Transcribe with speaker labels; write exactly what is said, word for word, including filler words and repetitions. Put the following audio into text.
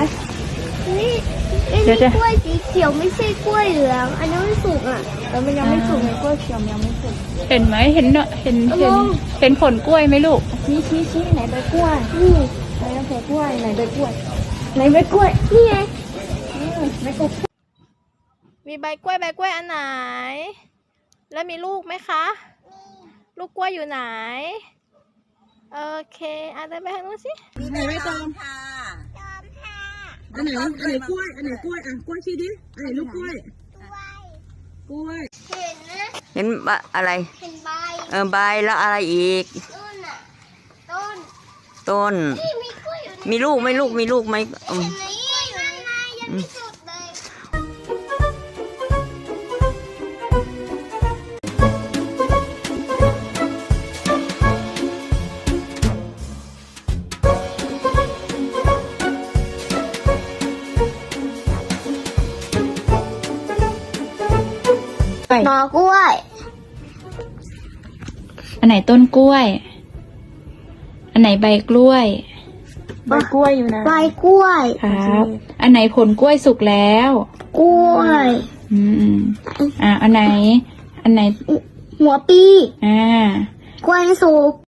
Speaker 1: นี่นี่กล้วยสีเขียวไม่ใช่กล้วยเหลืองอันนี้มันสุกอ่ะแต่มันยังไม่สุกไงกล้วยเขียวยังไม่สุก
Speaker 2: เห็นไหมเห็นเนาะเห็นเห็นเห็นผลกล้วยไหมลูก
Speaker 1: ชี้ชี้ชี้ไหนใบกล้วยนี่ไหนใบกล้วยไหนใบกล้วยไหนใบกล้วยนี่ไงใบกล้วย
Speaker 2: มีใบกล้วยใบกล้วยอันไหนแล้วมีลูกไหมคะลูกกล้วยอยู่ไหนโอเคอ่ะเดินไปทางนู้นสิ
Speaker 3: ไหนใบตองค่ะอันไหนอันไหนกล้วยอันไหนกล้วยอ่ะกล้วยชี้ดิอันไหนลูกกล้วยกล้วย
Speaker 1: เห็นนะ
Speaker 4: เห็นอะไร
Speaker 1: เห็นใบ
Speaker 4: เออใบแล้วอะไรอีก
Speaker 1: ต้นอ่ะต้น
Speaker 4: ต้น
Speaker 1: นี่มีกล้วยอยู่
Speaker 4: มีลูกไหมลูกมีลูกไหมอืม
Speaker 1: เห็นไหมกล้วยอยู่ข้างในยังไม่สุกเลยหน่อกล้วย
Speaker 2: อันไหนต้นกล้วยอันไหนใบกล้วย
Speaker 3: ใบกล้วยอยู่นะ
Speaker 1: ใบกล้วย
Speaker 2: ครับอันไหนผลกล้วยสุกแล้ว
Speaker 1: กล้วย
Speaker 2: อืมอ่าอันไหนอันไหน
Speaker 1: หัวปี
Speaker 2: อ่าก
Speaker 1: ล้วยสุก